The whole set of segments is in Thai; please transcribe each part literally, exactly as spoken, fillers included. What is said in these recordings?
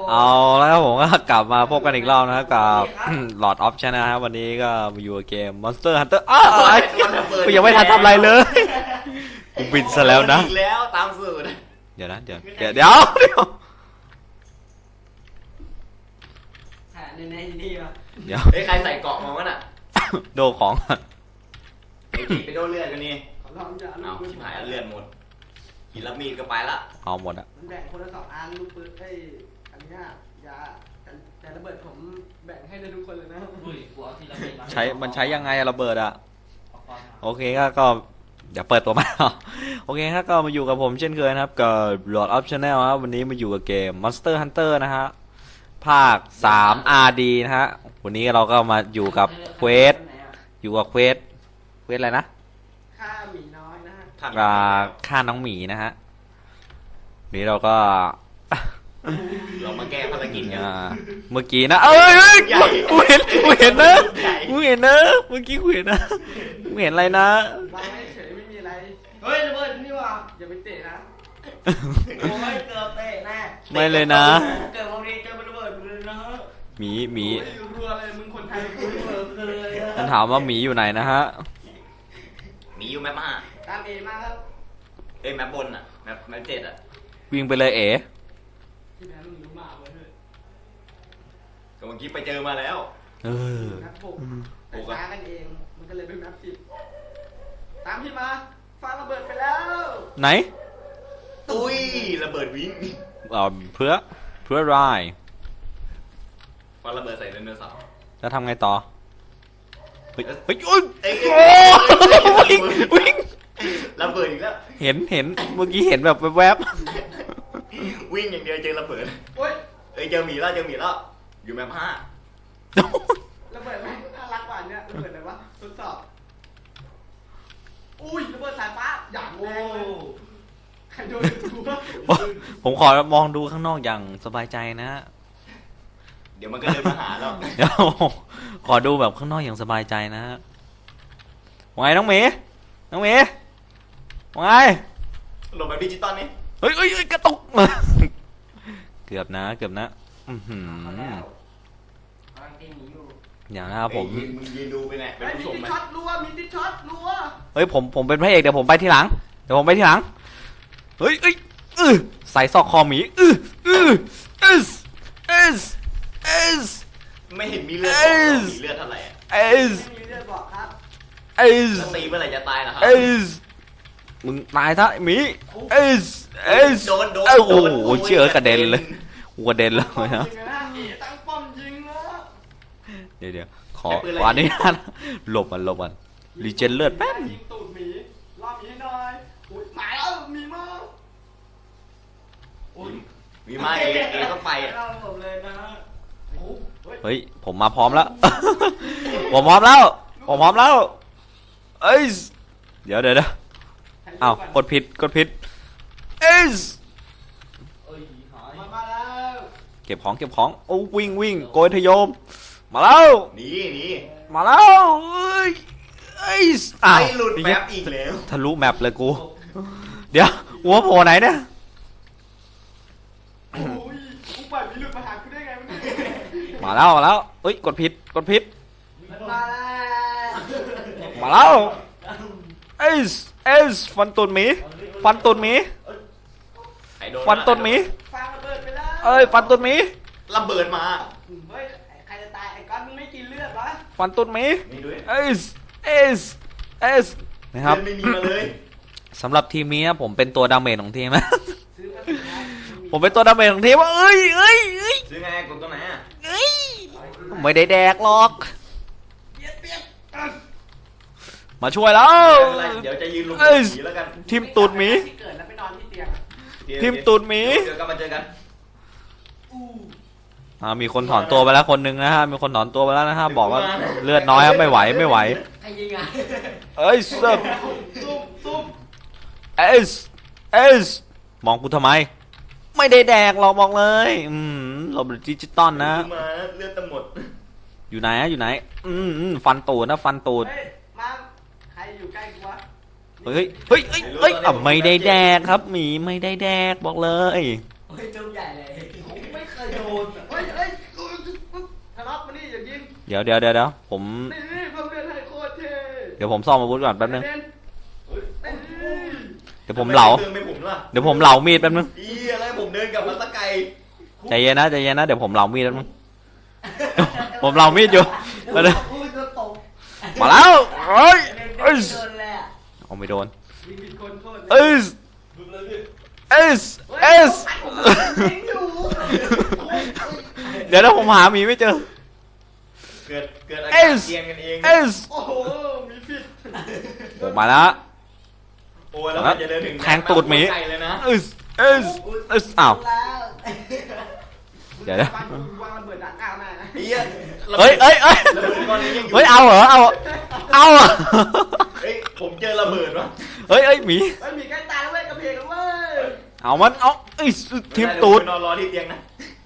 เอาแล้วผมก็กลับมาพบกันอีกรอบนะครับกับหลอดออฟชั่นนะครับวันนี้ก็มาอยู่เกม Monster Hunter อ้าวกูยังไม่ทันทำอะไรเลยกูบินซะแล้วนะอีกแล้วตามสูตรเดี๋ยวนะเดี๋ยวเดี๋ยวเดี๋ยวเดี๋ยวในในนี่วะเดี๋ยวไอ้ใครใส่เกาะมาวะน่ะโดของไอ้จีไปโดนเลือดกันนี่เอาชิบหายเลือดหมดหินรับมีดก็ไปละเอาหมดอ่ะมันแบ่งคนละสองอันลูกปืนไอ้อันนี้ยาแต่ระเบิดผมแบ่งให้ได้ทุกคนเลยนะใช้มันใช้ยังไงระเบิดอ่ะโอเคก็ก็เดี๋ยวเปิดตัวมาโอเคครับก็มาอยู่กับผมเช่นเคยนะครับกับ Lord of Channel ครับวันนี้มาอยู่กับเกม Monster Hunter นะฮะภาคสาม อาร์ ดี นะฮะวันนี้เราก็มาอยู่กับเควสอยู่กับเควสเควสอะไรนะฆ่าหมีน้อยนะฮะฆ่าน้องหมีนะฮะนี้เราก็เรามาแก้ภารกิจกันเมื่อกี้นะเอ้ยกูเห็นกูเห็นนะกูเห็นนะเมื่อกี้กูเห็นนะกูเห็นอะไรนะวางให้เฉยไม่มีอะไรเฮ้ยระเบิดนี่ว่ะอย่าไปเตะนะโอ้ยเกือบเตะแน่ไม่เลยนะเกิดวันนี้เจอระเบิดเลยนะหมีหมีรัวเลยมึงคนไทยกูเบิดเลยมันถามว่าหมีอยู่ไหนนะฮะหมีอยู่แมปห้าตามเอมาครับเอ้ยแมปบนอ่ะแมปแมปเจ็ดอ่ะวิ่งไปเลยเอ๋ที่แม่ลุงรู้มาเว้ยก็เมื่อกี้ไปเจอมาแล้วเออนับหกแต่ช้ากันเองมันก็เลยเป็นนับสิบตามพี่มาฟังระเบิดไปแล้วไหนตุ้ยระเบิดวิ่งอ๋อเพื่อเพื่อรายฟังระเบิดใส่ไดโนเสาร์แล้วทำไงต่อเฮ้ยเฮ้ยโอ้ยวิ่งวิ่งระเบิดอีกแล้วเห็นเห็นเมื่อกี้เห็นแบบแวบๆวิ่งอย่างเดียวเจอระเบิดเฮ้ยเอ้ยเจอหมีแล้วเจอหมีแล้วอยู่แมปห้าระเบิดไหมน่ารักกว่านี้ระเบิดอะไรวะทดสอบอุ้ยระเบิดสายฟ้าอย่างแรงเลยใครโดนตัวผมขอมองดูข้างนอกอย่างสบายใจนะเดี๋ยวมันก็เดินมาหาแล้วเดี๋ยวขอดูแบบข้างนอกอย่างสบายใจนะว่าไงน้องเมย์น้องเมย์ว่าไงลงแบบดิจิตอลนี่เฮ้ยเฮ้ยกระตุกเกือบนะเกือบนะอือหืออย่างนะครับผมมึงยืนดูไปเนี่ยเป็นผู้ชมไหมมีที่ช็อตรัวมีที่ช็อตรัวเฮ้ยผมผมเป็นพระเอกเดี๋ยวผมไปทีหลังเดี๋ยวผมไปทีหลังเฮ้ยเอ้ยเออใส่ซอกคอหมีเออเออเอสเอสเอสไม่เห็นมีเลือดมีเลือดเท่าไหร่เอสมีเลือดบอกครับเอสตีเมื่อไหร่จะตายล่ะครับเอสมึงตายซะหมีเอสเอสโดนโดนโอ้โหเชื่อกระเด็นเลยกระเด็นเลยนะตั้งป้อมยิงนะเดี๋ยวเดี๋ยวขอวันนี้นะหลบมันหลบมันรีเจนเลือดแป๊บยิงตูดหมีรอบนี้หน่อยอุ้ยหมายแล้วมีมามีมาเอเอต้องไปอ่ะเฮ้ยผมมาพร้อมแล้วผมพร้อมแล้วผมพร้อมแล้วเอ้ยเดี๋ยวเดี๋ยวเดี๋ยวอ้าวกดผิดกดผิดเอ้ยเก็บของเก็บของโอ้วิ่งวิ่งโกยทะโยมมาแล้วนี่นี่มาแล้วเอ้ยเอ้ยอ้าวหลุดแมปอีกแล้วทะลุแมปเลยกูเดี๋ยวหัวโผล่ไหนเนี่ยมาแล้วมาแล้วเอ้ยกดผิดกดผิดมาแล้วเอ้ยเอ้ยฟันตุนหมีฟันตุนหมีฟันตุนหมีเอ้ยฟันตุนหมีระเบิดมาเฮ้ยใครจะตายไอ้ก้อนมึงไม่กินเลือดวะฟันตุนหมีเอ้ยเอ้ยเอ้ยนะครับไม่มีมาเลยสำหรับทีมนี้ผมเป็นตัวดาเมจของทีมนะผมเป็นตัวดาเมจของทีมว่าเอ้ยเอ้ยเอ้ยซื้อไงกดตัวไหนอ่ะเอ้ยไม่ได้แดกหรอกมาช่วยแล้วเดี๋ยวจะยืนลงผีแล้วกันทีมตูดหมีทีมตูดหมีเจอกันมาเจอกันอ่ามีคนถอนตัวไปแล้วคนหนึ่งนะฮะมีคนถอนตัวไปแล้วนะฮะบอกว่าเลือดน้อยครับไม่ไหวไม่ไหวเอ้ยเซิร์ฟเอสเอสมองกูทำไมไม่ได้แดกหรอกบอกเลยอืมหลบดิจิตอลนะมาเลือดจะหมดอยู่ไหนอยู่ไหนอืมฟันตูดนะฟันตูดมาใครอยู่ใกล้กูวะเฮ้ยเฮ้ยเฮ้ยเฮ้ยอ่ะไม่ได้แดกครับหมีไม่ได้แดกบอกเลยเฮ้ยจุ่มใหญ่เลยไม่เคยโดนเฮ้ยเฮ้ยทะเลาะมานี่อย่ายิงเดี๋ยวเดี๋ยวเดี๋ยวเดี๋ยวผมนี่นี่เพิ่มเลือดให้โคตรเท่เดี๋ยวผมซ่อมอาวุธก่อนแป๊บนึงเด่นเฮ้ยนี่เดี๋ยวผมเหลาเดินไปผมล่ะเดี๋ยวผมเหลามีดแป๊บนึงอีอะไรผมเดินกลับมาตะไกลใจเย็นนะใจเย็นนะเดี๋ยวผมเหลามีดแป๊บนึง ผมเหลามีดอยู่มาเลยอุ้ยโดนตกมาแล้วเอ้ยเอ้เอ้ยโดนเลยอ่ะเอาไม่โดนยิงผิดคนโทษเอ้ยบึ้มเลยพี่เอ้ยเอ้ยยิงอยู่เดี๋ยวนะผมหาหมีไม่เจอเกิดเกิดอาเอ้การยเกียนกันเองเอ้ยโอ้โหมีผิดผมมาแล้วโอ้ยแล้วมันจะเดินถึงแทงตูดหมีไกลเลยนะเอ้ยเอ้ยเอ้ยอ้าวแล้วเดี๋ยวนะวางระเบิดดักหน้าแม่นะเหี้ยเฮ้ยเอ้ยเอ้ยระเบิดก้อนนี้ยังอยู่เฮ้ยเอาเหรอเอาเอาเหรอเฮ้ยผมเจอระเบิดวะเฮ้ยเอ้ยหมีเฮ้ยมีใกล้ตายแล้วเว้ยกระเพงแล้วเว้ยเอามันเอาเอ้ยทิมตูดนอนรอที่เตียงนะ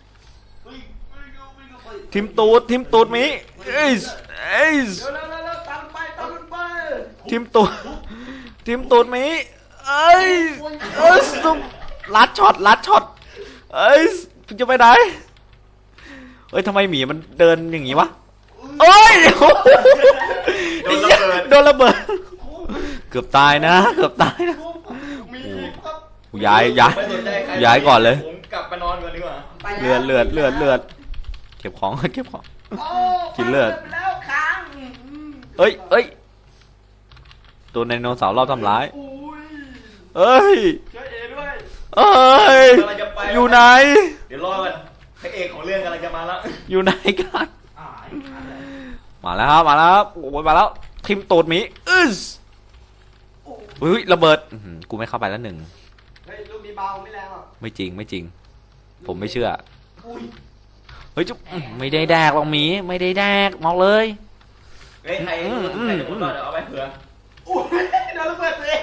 ทิมตูดทิมตูดหมีเอ้ยเอ้ยเร็วเร็วเร็วเร็วตามไปตามไปทิมตูดทิมตูดหมีเอ้ยเอ้ยซุ่มลัดช็อตลัดช็อตเอ้ยจะไปไหนเอ้ยทำไมหมีมันเดินอย่างงี้วะเอ้ยโดนระเบิดโดนระเบิดเกือบตายนะเกือบตายนะมีผิดครับย้ายย้ายไม่สนใจใครย้ายก่อนเลยผมกลับไปนอนก่อนดีกว่าไปเลือดเลือดเลือดเลือดเก็บของ เก็บของโอ้กินเลือดไปแล้วค้างเอ้ยเอ้ยตัวไดโนเสาร์รอบทำร้ายอุ้ยเอ้ยช่วยเอด้วยเอ้ยกำลังจะไปอยู่ไหนเดี๋ยวรอกันพระเอกของเรื่องกำลังจะมาแล้วอยู่ไหนกันอ่ามาแล้วครับมาแล้วครับโอ้ยมาแล้วทิมตูดหมีอึ้สอุ้ยระเบิดอื้อหือกูไม่เข้าไปแล้วหนึ่งเฮ้ยลูกนี้เบาไม่แรงหรอกไม่จริงไม่จริง ผมไม่เชื่ออุ้ยเฮ้ยจุ๊บอื้อไม่ได้แดกหรอกหมีไม่ได้แดกบอกเลยเฮ้ยใครอืมอืมใครจะพูดก่อนเดี๋ยวเอาไปเผื่ออุ้ยโดนระเบิดตัวเอง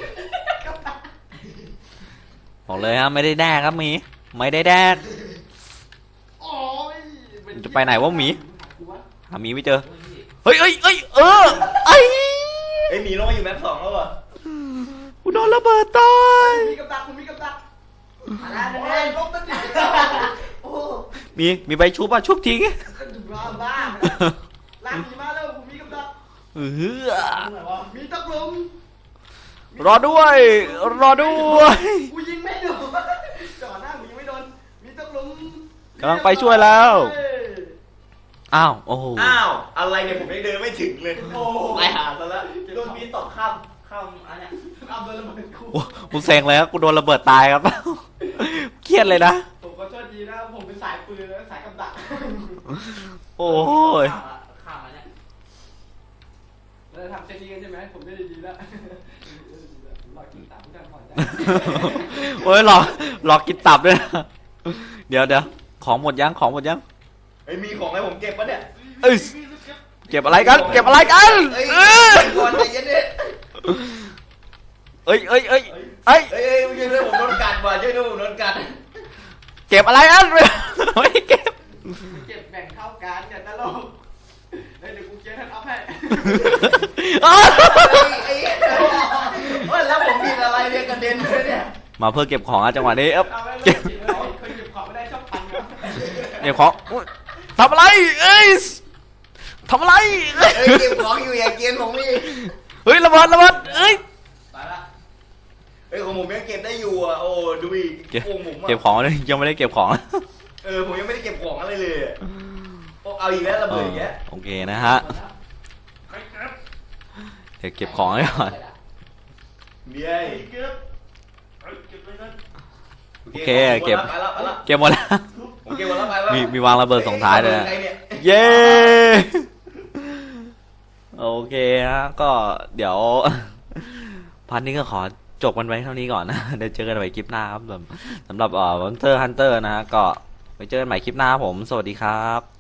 บอกเลยครับไม่ได้แดกครับหมีไม่ได้แดกโอ้ยจะไปไหนวะหมี หาหมีไม่เจอเฮ้ยเอ้ยเอ้ยเออไอ้เฮ้ยหมีลงมาอยู่แมปสองแล้วเหรอกูโดนระเบิดตายมีกับดักผมมีกับดักอะไรโอ้เนี่ยยลบตันทีโอ้มีมีใบชุบอ่ะชุบทิ้งบ้าบ้าลากหมีมาแล้วผมมีกับดักเออมีตะกลุมรอด้วย รอด้วยกูยิงไม่โดนจ่อหน้าหมีไม่โดนมีตะกลุมกำลังไปช่วยแล้ว อ้าวโอ้โหอ้าวอะไรเนี่ยผมยังเดินไม่ถึงเลยโอ้ไปหาซะแล้วโดนมีตอกข้ามข้ามอันเนี้ยเอาโดนระเบิดกูโอ้กูเซ็งเลยครับกูโดนระเบิดตายครับ เครียดเลยนะผมก็โชคดีนะผมเป็นสายปืนแล้วสายกับดักโอ้ยข้ามมาเนี่ยเราจะทำเซนนี้กันใช่ไหมผมได้ดีแล้วรอกินตับทุกท่านพอใจโอ้ยหลอกหลอกกินตับด้วยนะเดี๋ยวเดี๋ยวของหมดยังของหมดยังเฮ้ยมีของให้ผมเก็บปะเนี่ยเอ้ยเก็บอะไรกัน เก็บอะไรกันเอ้ยเอ้ยก่อนใจเย็นดิเอ้ยเอ้ยเอ้ยเอ้ยเฮ้ยเฮ้ยช่วยด้วยผมโดนกัดว่ะช่วยด้วยผมโดนกัดเก็บอะไรอันไม่ได้เก็บเก็บแบ่งเท่ากันอย่าตลกเดี๋ยวกูเจ๊ท่านอัพให้อ้าวไอ้เฮ้ยแล้วผมผิดอะไรเนี่ยกระเด็นเลยเนี่ยมาเพื่อเก็บของอะจังหวะนี้เอ้ยเอาไว้เก็บเก็บไว้เคยเก็บของไม่ได้ชอบพันครับเก็บของอุ๊ยทำอะไรเอ้ยทำอะไรเอ้ยเฮ้ยเก็บของอยู่อย่าเกลียนผมนี่เฮ้ยระเบิดระเบิดเอ้ยไปละเฮ้ยของผมยังเก็บได้อยู่อ่ะโอ้ดูอีกเก็บโอ้ผมอะเก็บของเลยยังไม่ได้เก็บของเออผมยังไม่ได้เก็บของอะไรเลยอะโอ้เอาอีกแล้วระเบิดอีกแล้วโอเคนะฮะเดี๋ยวเก็บของไว้ก่อนเบี้ยเก็บเอ้ยเก็บเลยนะโอเคเก็บไปแล้วไปแล้วเก็บหมดแล้วผมเก็บหมดแล้วไปแล้วมีมีวางระเบิดส่งท้ายเลยนะใครเนี่ยเย้โอเคฮะก็เดี๋ยว พันนี้ก็ขอจบกันไว้เท่านี้ก่อนนะ เดี๋ยวเจอกันใหม่คลิปหน้าครับสำสำหรับเอ่อ Monster Hunter นะฮะก็ไปเจอกันใหม่คลิปหน้าครับผม สวัสดีครับ